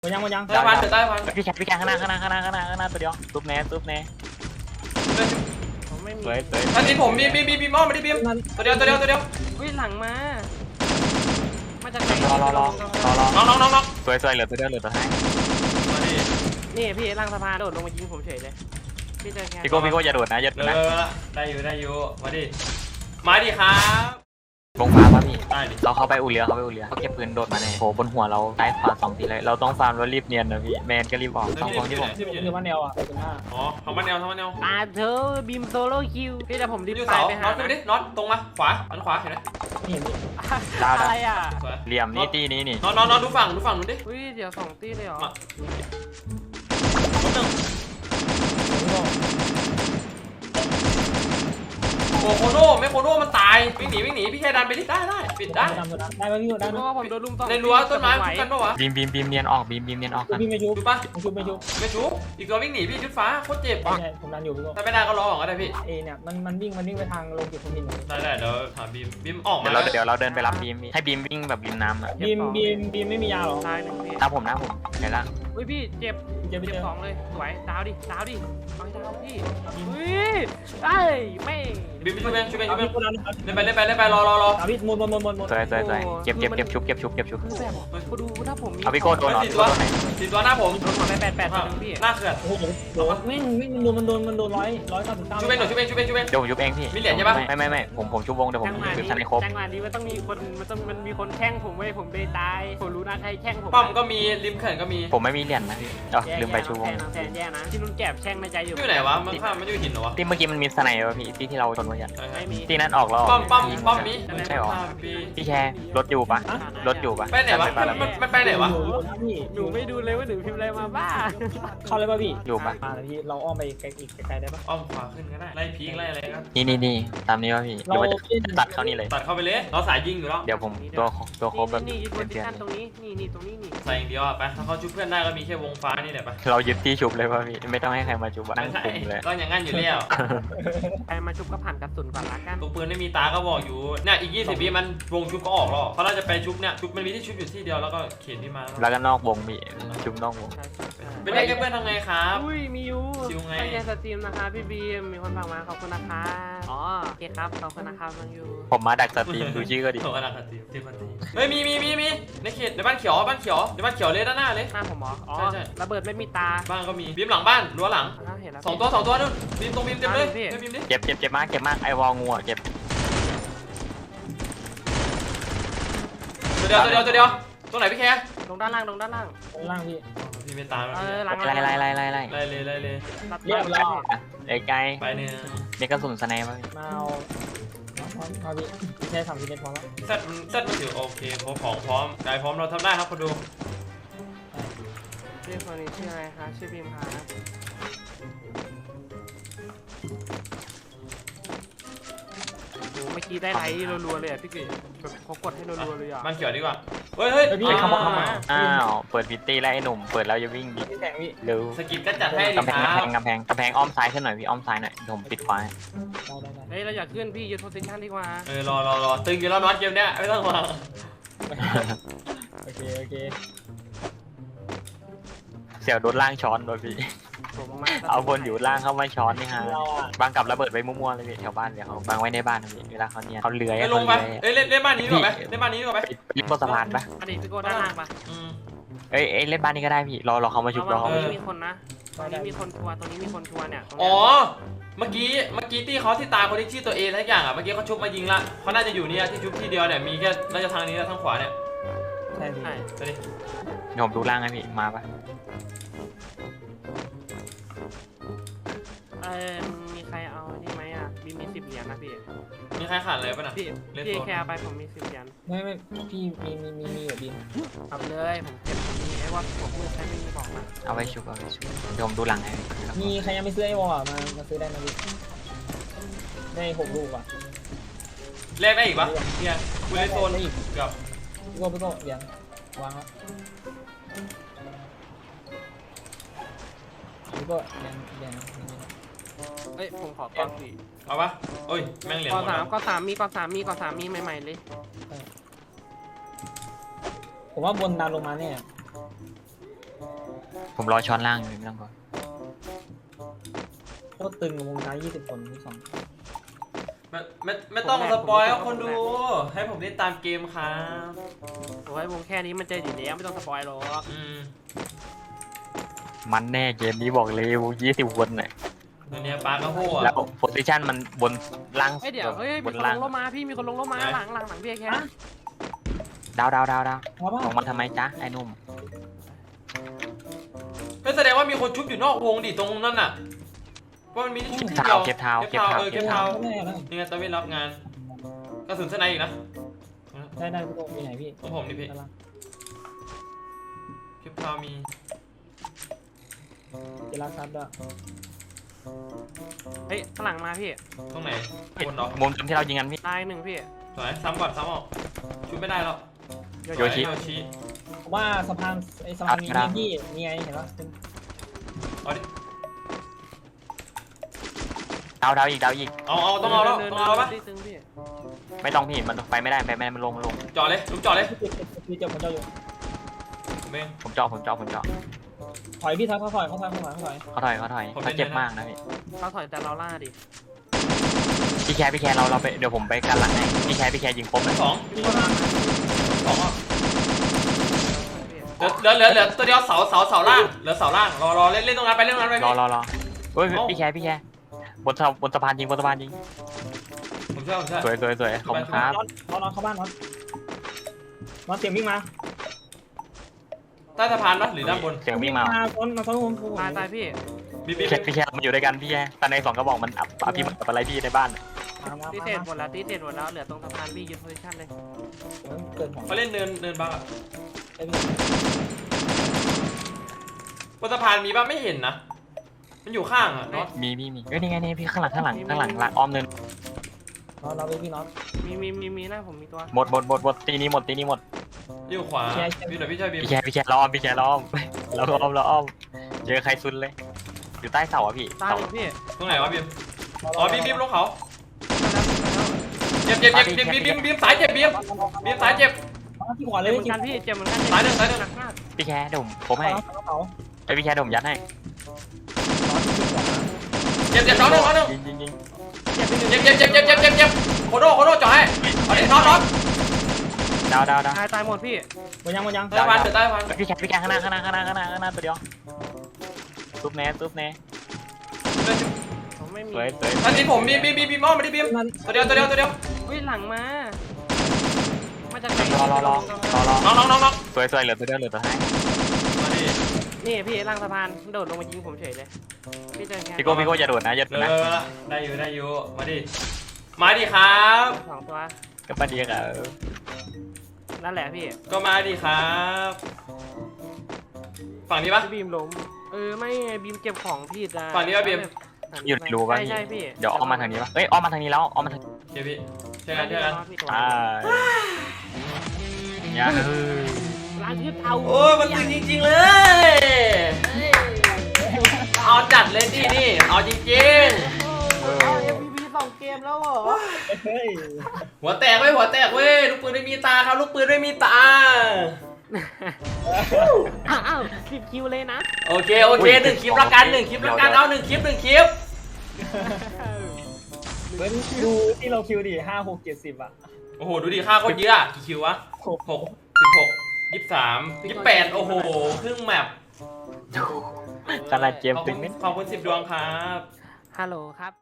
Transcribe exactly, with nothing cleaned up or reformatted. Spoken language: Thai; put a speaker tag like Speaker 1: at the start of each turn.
Speaker 1: หมดยังหมดยัง
Speaker 2: ใต้พันเดี๋ยวใต้พัน
Speaker 3: พี่แคทพี่แคทข้างหน้าข้างหน้าข้างหน้าข้างหน้าข้างหน้าตัวเดียวซุปแน่ซุปแน่
Speaker 4: ผมไม่มี
Speaker 3: สวยสวย
Speaker 2: ท่านนี้ผมบีมบีมบีมอ้อมมาดิบีมตัวเดียวตัวเดียวตัวเดียว
Speaker 4: วิ่งหลังมามาจากไหน
Speaker 3: รอรอรอรอรอ
Speaker 2: น้องน้องน้องน้อง
Speaker 3: สวยสวยเหลือตัวเดียวเหลือตัวท้าย
Speaker 2: มาดิ
Speaker 4: นี่พี่ล่างสะพานโดดลงมายิงผมเฉยเลยพี่เจอแค่
Speaker 3: พี่โก้พี่โก้อย่าโดดนะอย่าโด
Speaker 2: เอ
Speaker 3: ดนะ
Speaker 2: อได้อยู่ได้อยู่มาดิมาดิครับ
Speaker 3: วงฟ้าป่ะพี่
Speaker 2: ได้ดิ
Speaker 3: เราเข้าไปอู่เรือเข้าไปอู่เรือเขาเก็บปืนโดดมาแน่โหบนหัวเราซ้ายขวาสองทีเลยเราต้องฟาร์มแล้วรีบเนียนนะพี่แมนก็รีบออกสองคนที่ผม
Speaker 2: ที่มันอยู่
Speaker 1: คือว่าแนวอ่ะเป็นห้า
Speaker 2: อ๋อทำมันแนวทำมันแนว
Speaker 4: ตาเธอบีมโซโล่คิวพี่จะผมรีบ
Speaker 2: อยู่
Speaker 4: ไป
Speaker 2: เสา
Speaker 4: ไป
Speaker 2: น็
Speaker 4: หา
Speaker 2: อตขึ้นไปดิน็อตตรงมาขวาอันขวาเห็นไหม
Speaker 1: ไม่เห็นดิ
Speaker 4: อะไรอ่ะ
Speaker 2: สวย
Speaker 3: เหลี่ยมนี่ตีนี้นี่
Speaker 2: น็อตน็อตน็อตดูฝั่งดูฝั่งนู้นดิ
Speaker 4: อุ้ยเดี๋ยวสองตีเลยเหรอ
Speaker 2: มาคนหนึ่งโอ้โคโน่ไม่โคโน่มันตายวิ่งหนีวิ่งหนีพี่แค่ดันไปดิได้ได้ปิดได้
Speaker 1: ดำได้ไหมพี่ได้
Speaker 4: เพ
Speaker 1: ไหม
Speaker 4: ราะว่าผมโดนลุมสอง
Speaker 2: ในรั้วต้นไม้คุกันปะวะ
Speaker 3: บีมบีมบีมเนียนออกบีมบีมเนียนออกกัน
Speaker 1: พี่ไม่ชุบ
Speaker 2: ดูป่ะ
Speaker 1: ไม่ชุบไม่ชุบ
Speaker 2: ไม่ชุบอีกตัววิ่งหนีพี่ชุดฟ้าโคตรเจ็บ
Speaker 1: ไม่ใช่ผมดันอยู่พี่ก็
Speaker 2: ถ้าไม่ได้ก็รอก่อนก็ได้พี่
Speaker 1: เอเนี่ยมันมันวิ่งมันวิ่งไปทางลงเก็บคนดิน
Speaker 2: ได้ได้เดี๋ยวถามบีมบีมออกมา
Speaker 3: เดี๋ยวเราเดี๋ยวเราเดินไปรับบีมพี่ให้บีมวิ่งแบบริมน้ำอ่ะ
Speaker 1: บีมบีมบีมไม่มียาหรอ
Speaker 4: ตายหนึ่งพี่
Speaker 3: ตามผมนะผมเห็นละ
Speaker 4: อุ้ยพี่เจ็บ
Speaker 1: เจ็บไป
Speaker 4: เจ็บ
Speaker 1: เจอ
Speaker 4: สองเลยสวยดาวดิดาวดิเอาให้ดาวพี่อุ้ยไอ้ไม่
Speaker 2: บีมช่วยเองช่วยเองช่วยเอง
Speaker 1: พี่คนนั้น
Speaker 2: เล่นไปเล่นไปเล่นไปรอรอรอ
Speaker 1: ดาวิดหมดหมดหมดหมดหมด
Speaker 3: สวยสวยสวยเก็บเก็บเก็บชุบเก็บชุบเก็บชุบ
Speaker 4: คือแบบกูดูถ้าผมมี
Speaker 3: เอาพี่โก้โดนเหรอ
Speaker 2: สี่
Speaker 3: พี่
Speaker 2: ตัว
Speaker 3: โก้โดนไหน
Speaker 2: สี่ตัวหน้าผม
Speaker 4: โดนหัวไปแปดแปดตัวนึงพี่
Speaker 2: หน้าเขื่อน
Speaker 1: โอ้โหโดนวิ่งวิ่งมันโดนมันโดนมันโดนร้อยร้อยเก้าสิบเก้า
Speaker 2: ช่วยเองหน่อยช่วยเองช่วยเองช่วยเอง
Speaker 3: เดี๋ยวผมชุบเองพี่
Speaker 2: มีเหรียญใช่ปะ
Speaker 3: ไม่ไม่ไม่ผมผมชุบวงเดี๋ยวผม
Speaker 4: จังหวะ
Speaker 3: ชุบ
Speaker 4: นี้
Speaker 3: ทันในครบ
Speaker 4: จังหวะนี้มันต้องมีคนมันต้องมันมีคนแช่งผมไว้ผมไปตายผมรู้นะใครแช่งผม
Speaker 2: ป้อมก็มีริมเขื่อนก็มี
Speaker 3: ผมไม่มีเหรียญนะพี่เออลืมไปชุบวง
Speaker 4: แทนแย่นะที่นุ่นแก็บแช่งในใจอยู่
Speaker 2: อยู่ไหนวะมันข้ามมันอยู่หินเหรอวะ
Speaker 3: ที่เมื่อกี้มันมีสไนเปอร์พี่ที่ที่เราชนไว้อะ
Speaker 4: ไม่มี
Speaker 3: ที่นั้นออกแล้ว
Speaker 2: ป้อมป้อมป้อมมี
Speaker 3: ใช่หรอ
Speaker 2: ปี
Speaker 3: พี่แชร์รถอยู่ปะรถอยู่ปะ
Speaker 2: ไปไหนวะมันมันมันไปไหนวะ
Speaker 1: พี่
Speaker 4: หนูไม่ดูเลยว่าหนูพิมพ์อะไรมาบ้า
Speaker 1: เข้าเลยป่ะพี่
Speaker 3: อยู่ปะ
Speaker 1: มาเลยพี่เราอ้อมไปไกลอีกไกลได้ป่ะ
Speaker 2: อ้อมขวาขึ้นก็ได้ไล่พีกไล่อะไรก็
Speaker 3: นี่นี่นี่ตามนี้ป่ะพี่หรือว่าจะตัดเข้านี่เลย
Speaker 2: ตัดเข้าไปเลยเราสายยิงอยู่แล้ว
Speaker 3: เดี๋ยวผมตัวตัวโครบแบบ
Speaker 4: นี่ยึดโพ
Speaker 3: เป็น
Speaker 4: ซิ
Speaker 3: เพื่อน
Speaker 4: ชั่นตรงนี้นี่นี่ตรงนี้นี่
Speaker 2: ใส่อย่างเดียวอะไปถ้าเขาชุบเพื่อนได้ก็มีแค่วงฟ้านี่แหละไป
Speaker 3: เรายึดที่ชุบเลยป่ะพี่ไม่ต้องให้ใครมาชุบอะนั่ง
Speaker 2: ใช่
Speaker 3: คุมเลย
Speaker 2: ก็อย่างงั้นอยู่แล้ว
Speaker 4: ใครมาชุบก็ผ่านกระสุนก่อนละกัน
Speaker 2: ตัวปืนไม่มีตาก็บอกอยู่เนี่ยอีกยี่สิบวิมันวงชุบก็ออกแล้วเขาน่าจะไปชุบเนี่ยชุบมันมีที่ชุบอยู่ที่เดียวแล้วก็เขียนที่มา
Speaker 3: แล้วก็นอกวงพี่ชุบนอกวง
Speaker 4: ใช่ใช่ใช่
Speaker 2: เป็นได้แค่เพื่อนทำไงครับ
Speaker 4: อุ้ยมีอยู่
Speaker 2: ชิวไง
Speaker 4: ตั้งใจสตรีมนะคะพี่บีมมีคนฝากมาขอบคุณนะคะอ๋อโอเคครับขอบคุณนะครับน้องยู
Speaker 3: ผมมาดักสตรีมดูชื่อก็ดี
Speaker 2: โถกระดาษตีตีพันตีเฮ้ยมีมีมีมีในเขตในบ้านเขียวบ้านเขียวในบ้านเขียวเลยด้านหน้าเลย
Speaker 4: หน้าผมเหรออ๋อ
Speaker 2: ใช่ใช่
Speaker 4: ระเบิดไม่มีตา
Speaker 2: บ้านก็มีบีมหลังบ้านรั้วหลัง
Speaker 4: อ่าเห็นแล้ว
Speaker 2: สองตัวสองตัวนู่นบีมตรงบีมเต็มเลย
Speaker 4: พี่
Speaker 2: ไม่บีมดิ
Speaker 3: เจ็บเจ็บเจ็บมากเจ็บมากไอวอลงูอะเจ็บ
Speaker 2: ตัวเดียวตัวเดียวตัวเดียวตรงไหนพี่แคร์
Speaker 4: ลงด้านล่างลงด้านล่าง
Speaker 1: ข้างล่างพี่
Speaker 2: พี่ไม่ตามแล้ว
Speaker 4: เออหลัง
Speaker 3: ไล่ไล่ไล่ไล่ไล่
Speaker 2: ไล่เลยไล่เลย
Speaker 4: ตัด
Speaker 1: เรียบร้อย
Speaker 3: ไอ้ไกล
Speaker 2: ไปเนี่ย
Speaker 3: มีกระสุนสไนป์ป่ะพี่
Speaker 1: มาเอาเอาพี่ใช้สามสิบเมตรพอแล้ว
Speaker 2: เซตเซตมันถือโอเคพร้อมของพร้อมกายพร้อมเราทำได้ครับคนดู
Speaker 4: ชื่อคนนี้ชื่ออะไรคะชื่อบีมครับโอ้เมื่อกี้ได้ไลค์รัวๆเลยอ่ะพี่กิ๊แบบเขากดให้รัวๆเลยอ่ะ
Speaker 2: บ้านเขียวดีกว่าเฮ้ยเฮ้ย
Speaker 1: พี่
Speaker 4: อ่า
Speaker 1: เข้ามาเข้ามา
Speaker 3: อ้าวเปิดพิตตี้แล้วไอ้หนุ่มเปิดแล้วจะวิ่งดิ
Speaker 1: พี่แสงพี่
Speaker 3: เร็ว
Speaker 2: สกิปก็จัดให้ดิ
Speaker 3: กำแพ
Speaker 2: ค
Speaker 3: ง
Speaker 2: รั
Speaker 3: กำแพ
Speaker 2: บ
Speaker 3: งกำแพงกำแพงอ้อมซ้ายขึ้นหน่อยพี่อ้อมซ้ายหน่อยเดี๋ยวผมปิดขวาให้
Speaker 1: ได้ได้ได้
Speaker 4: เฮ้ยเราอยากขึ้นพี่ยึดโพซิชั่นดีกว่า
Speaker 2: เออรอรอรอตึงอยู่แล้วน็อตเกมเนี้ยไม่ต้องห่วง
Speaker 1: โอเคโอเค
Speaker 3: เสี่ยวโดนล่างช้อนโดนพี่
Speaker 4: ผมมากๆ
Speaker 3: เอาคนอยู่ล่างเข้ามาช้อนนี่ฮะ
Speaker 1: เราอ่ะ
Speaker 3: บางกับระเบิดไว้มั่วๆเลยพี่แถวบ้านเดี๋ยวเขาบางไว้ในบ้านนะพี่เวลาเขาเนี่ยเขาเลื้อย
Speaker 2: ไปล
Speaker 3: เขา
Speaker 2: งไป
Speaker 3: เลื้อย
Speaker 2: เอ้ยเล่นเล่นบ้านนี้ดีกว่าไหมเล่นบ้านนี้ดีกว่าไหม
Speaker 3: ไปลิฟต์บนสะพานปะ
Speaker 4: อดีตพี่โก้ด้านล่างปะ
Speaker 2: อืม
Speaker 3: เอ้ยเอ้ยเล่นบ้านนี้ก็ได้พี่รอรอเขามาชุบรอ
Speaker 4: ต
Speaker 3: เขา
Speaker 4: รง
Speaker 3: มา
Speaker 4: นี้
Speaker 3: ชุบ
Speaker 4: มีคนนะตรงนี้มีคนทัวร์ตรงนี้มีคนทัวร์เนี่ยตรง
Speaker 2: อ๋
Speaker 4: เนี้
Speaker 2: อย เมื่อกี้เมื่อกี้ที่เขาที่ตายคนที่ชื่อตัวเอทักอย่างอ่ะเมื่อกี้เขาชุบมายิงละเขาน่าจะอยู่เนี่ยที่ชุบที่เดียวเนี่ยมีแค่น่าจะทางนี้และทางขวาเนี่ย
Speaker 1: ใช่พี่
Speaker 4: ใช่
Speaker 2: ไปดิ
Speaker 3: เดี๋ยวผมดูล่างให้พี่มาปะ
Speaker 4: เออมีใครเอานี่ไหมอ่ะบีมีสิบเหรียญนะพี่
Speaker 2: มีใครขาดเลยป่ะน่ะ
Speaker 4: พี่
Speaker 2: เล่น
Speaker 4: พี่
Speaker 2: โซน
Speaker 4: แคร์ไปผมมีสิบเหรียญ
Speaker 1: ไม่ไม่พี่มีมีมีมีแบบบิน
Speaker 4: เอาไปเลยผมเก็บผมมีไอ้ว่าผมมือใช้ไม่มีบอกมา
Speaker 3: เอาไว้ชุบเอาไว้ชุบเดี๋ยวผมดูหลังให้พี่
Speaker 1: มีใครยังไม่ซื้อไอ้วอลอ่ะมามาซื้อได้นะพี่ได้หกลูกอ่ะ
Speaker 2: แลกได้อีกปะเนี่ยกูเล่นโซน
Speaker 1: ได้อีก
Speaker 2: เกือบ
Speaker 1: พี่โก้พี่โก้เหรียญวางแล้วพี่โก้เหรียญเหรียญ
Speaker 4: เอ้ยผมขอก่อนสี่
Speaker 2: เอาปะโอ้ยแม่งเหรียญ
Speaker 4: ก่
Speaker 2: ห
Speaker 4: อ
Speaker 2: มด
Speaker 4: สา
Speaker 2: แล้
Speaker 4: ม
Speaker 2: ว
Speaker 4: ก่อสามมีก่อสามมีก่อสามมีใหม่ๆเลย
Speaker 1: ผมว่าบนดันลงมาเนี่ย
Speaker 3: ผมรอช้อนล่างอยู่ไม่ต้องกลัว
Speaker 1: โคตรตึงวงการยี่สิบคนที่สอง
Speaker 2: ไม่ไม่ไม่ต้องสปอยครับคนดู ให้ผมเล่นตามเกมครับ
Speaker 4: โอ้ยวงแค่นี้มันเจออยู่แล้วไม่ต้องสปอยหรอก
Speaker 2: อืม
Speaker 3: มันแน่เกมนี้บอกเลยยี่สิบคนน่ะ
Speaker 2: ตัวเนี้ยปลากระโหอะ
Speaker 3: แล้วโพซิชันมันบนล่าง
Speaker 4: เฮ้ยเดี๋ยวเฮ้ย
Speaker 3: บ
Speaker 4: มี
Speaker 3: น
Speaker 4: คนล
Speaker 3: ล่าง
Speaker 4: งรถมาพี่มีคนลงรถมาหลังหลังหลังพี่แค่
Speaker 3: ดาวดาวดาวดาว
Speaker 1: เพราะว่า
Speaker 3: ลงมาทำไมจ๊ะไอ้หนุ่ม
Speaker 2: ก็แสดงว่ามีคนชุบอยู่นอกวงดิตรงนั้นน่ะว่ามันมีที่ชุบที่
Speaker 3: เท้า
Speaker 2: เดียว
Speaker 3: เก็บเท้า
Speaker 2: เก็
Speaker 3: เก็
Speaker 2: บบ เท้า
Speaker 3: เท้า
Speaker 2: เออเก็บเท้า
Speaker 1: แน่แล้ว
Speaker 2: นี่ไงตะเวนรับงานกระสุนสไนอีกนะ
Speaker 1: ได้ได้พี่โตมีไหนพี่
Speaker 2: ของผมนี่พี่
Speaker 1: ด้านล่าง
Speaker 2: เก็บเท้ามี
Speaker 1: เจรักซับด้วย
Speaker 4: เฮ้ยข้างหลังมาพี่
Speaker 2: ตรงไหนบนเหรอ
Speaker 3: มุมที่เรายิงกันพี่
Speaker 4: ตายหนึ่งพี่
Speaker 2: สวยซ้ำก่อนซ้ำออกชุบไม่ได้แล้ว
Speaker 3: โยชิ
Speaker 2: โยชิ
Speaker 1: ผมว่าสะพานไอ้สะพานมี
Speaker 3: ครับ
Speaker 1: พี่มีไงเห็นปะ
Speaker 2: เอาดิ
Speaker 3: ดาวดาวอีกดาวอีก
Speaker 2: เอาเอาต้องเอาแล้วต้องเอาแล้วปะ
Speaker 4: ดิตึงพี่
Speaker 3: ไม่ต้องพี่มันไปไม่ได้ไปไม่ได้มันลงมันลง
Speaker 2: จอดเลยลุกจอดเลย
Speaker 1: พี่พี่เจ็บผมเจ้าอยู่
Speaker 2: ผมเอง
Speaker 3: ผมเจาะผมเจาะผมเจาะ
Speaker 1: ถอยพี่ถอยเขาถอยเขาถอยเขาถอยเขาถอย
Speaker 3: เขาถอยเขาถอยเขาเจ็บมากนะพี่
Speaker 4: เราถอยแต่เราล่าดิ
Speaker 3: พี่แคร์พี่แคร์เราเราไปเดี๋ยวผมไปกันหลังให้พี่แคร์พี่แคร์ยิงคมเลย
Speaker 2: สอง
Speaker 1: พี่เขาถอย
Speaker 2: สองอ่ะเหลือเหลือเหลือตัวเดียวเสาเสาเสาล่างเหลือเสาล่างรอรอเล่นเล่นตรงนั้นไปเล่นตรงนั้นไป
Speaker 3: รอ
Speaker 2: พี่
Speaker 3: รอรอเฮ้ยพี่แคร์พี่แคร์บนสะบนสะพานยิงบนสะพานยิง
Speaker 2: ผมเชื่อผมเชื่อ
Speaker 3: สวยสวยสวยขอบคุณครับ
Speaker 1: นอนนอนนอนเข้าบ้านนอนนอนเสียงวิ่งมา
Speaker 2: ใต้สะพานปะหรือด้านบน
Speaker 3: เสียงวิ่งมา
Speaker 1: คนมาคนผมผม
Speaker 4: ตายตายพี่
Speaker 2: บีบบี
Speaker 3: พี่
Speaker 2: บ
Speaker 3: แคร์พี่แคร์มันอยู่ด้วยกันพี่แคร์ตอนในสองกระบอกมันอับอับพี่มันกับอะไรพี่ในบ้าน
Speaker 1: มามา
Speaker 4: ตีเศษหมดแล้วตีเศษหมดแล้วเหลือตรงสะพานพี่ยึดโพซิชั่นเลย
Speaker 1: เกิดของ
Speaker 2: เขาเล่นเนินเนินบ้างอะ
Speaker 1: ไอ้พี่
Speaker 2: บนสะพานมีป่ะไม่เห็นนะมันอยู่ข้างอ่ะเนาะ
Speaker 3: มีมีมีเอ้ยนี่ไงนี่พี่ข้างหลังข้างหลังข้างหลังหลังอ้อมเนิน
Speaker 1: นอนเราไปพี่นอน
Speaker 4: มีมีมีมีหน้าผมมีตัว
Speaker 3: หมดหมดหมดหมดตีนี้หมดตีนี้หมด
Speaker 2: อยู่ขวาพี่เดี๋ยวพี่ช่วยบีม
Speaker 3: พี่แคร์พี่แคร์เราอ้อมพี่แคร์เราอ้อมเราอ้อมเราอ้อมเจอใครซุนเลย อยู่ใต้เสาอะพี่
Speaker 4: ตาย
Speaker 3: เสา
Speaker 4: อีกพี่
Speaker 2: ตรงไหนวะบีมอ๋อบีมบีมลงเขาเจ็บเจ็บเจ็บบีมบีมบีมบีมสายเจ็บบีมบีมสายเจ็บ
Speaker 1: ที่ขวาเล
Speaker 4: เจ็
Speaker 1: ย
Speaker 4: บเหมือนกันพี่เจ็บเหมือนกัน
Speaker 2: ตายหนึ่งตายหนึ่ง
Speaker 4: หนักมาก
Speaker 3: พี่แคร์เดี๋ยวผมผมให้
Speaker 1: เขาเขา
Speaker 3: ไอยพี่แคร์เดี๋ยวผมยัดให้
Speaker 2: เจ็บเจ็บน้องหนึ่งน้องหนึ่ง
Speaker 3: ยิงยิงยิง
Speaker 2: เจ็บเจ็บเจ็บเจ็บเจ็บเจ็บเจ็บโคโดโคโดจ่อให้เอาดิน็อตน็อต
Speaker 3: ดาวดาวดาว
Speaker 4: ตายตายหมดพี่
Speaker 1: มันยังมันยัง
Speaker 2: ใต้วันเดี๋ยวใต้วัน
Speaker 3: พี่แคร์พี่แคร์ข้างหน้าข้างหน้าข้างหน้าข้างหน้าข้างหน้าตัวเดียวซุปแน่ซุปแน่
Speaker 4: ผมไม่มี
Speaker 3: สวยสวย
Speaker 2: อันนี้ผมบีมบีมบีมบีมอ้อมมาดิบีมตัวเดียวตัวเดียวตัวเดียว
Speaker 4: อุ้ยหลังมามาจากไหน
Speaker 3: รอรอรอรอรอ
Speaker 2: น้องน้องน้องน้อง
Speaker 3: สวยสวยเหลือตัวเดียวเหลือตัวท้าย
Speaker 2: มาดิ
Speaker 4: นี่พี่ล่างสะพานโดดลงมายิงผมเฉยเลยพี่เจอแค่
Speaker 3: พี่โก้พี่โก้อย่าโดดนะอย่าโด
Speaker 2: เอ
Speaker 3: ดนะ
Speaker 2: อได้อยู่ได้อยู่มาดิมาดิครับ
Speaker 4: สองตัว
Speaker 3: กับป้าเดียกับ
Speaker 4: นั่นแหละพี่
Speaker 2: ก็มาดิครับฝั่งนี้ปะ
Speaker 4: พี่บีมล้มเออไม่ไงบีมเก็บของผิดอ่ะ
Speaker 2: ฝั่งนี้ป่ะบีม
Speaker 3: อยู่ในรูป่ะ
Speaker 4: ใช่
Speaker 3: พี่
Speaker 4: ใช่พี่
Speaker 3: เดี๋ยวอ้อมมาทางนี้ป่ะเอ้ยอ้อมมาทางนี้แล้วอ้อมมาทาง
Speaker 2: เดี๋ยวพี่เจอกันเจอกัน
Speaker 3: อ่าอย่าเฮ้ย
Speaker 4: ล้างทึบเอา
Speaker 2: โอ้ยมันตึงจริงๆเลยเอาจัดเลยดินี่เอาจริง
Speaker 4: เอาเอ็มพีพีสองเกมแล้วเหรอ
Speaker 1: เฮ้ย
Speaker 2: ๆหัวแตกเว้ยหัวแตกเว้ยลูกปืนไม่มีตาครับลูกปืนไม่มีตา
Speaker 4: อ้าวอ้าวสิบคิวเลยนะ
Speaker 2: โอเคโอเคหนึ่งคลิปละกันหนึ่งคลิปละกันเอาหนึ่งคลิปหนึ่งคลิป
Speaker 1: เว้นดูที่เราคิวดิห้าหกเจ็ดสิบอ่ะ
Speaker 2: โอ้โหดูดิค่าโคตรเยอะอะกี่คิววะหกหกสิบหกยี่สิบสามยี่สิบแปดโอ้โหครึ่งแมป
Speaker 3: ขนาดเกม
Speaker 2: ขอบ
Speaker 3: ตึ
Speaker 2: คุ
Speaker 3: ง
Speaker 2: ณ
Speaker 3: นิด
Speaker 2: ขอบคุณสิบดวงครับ
Speaker 4: ฮัลโหลครับ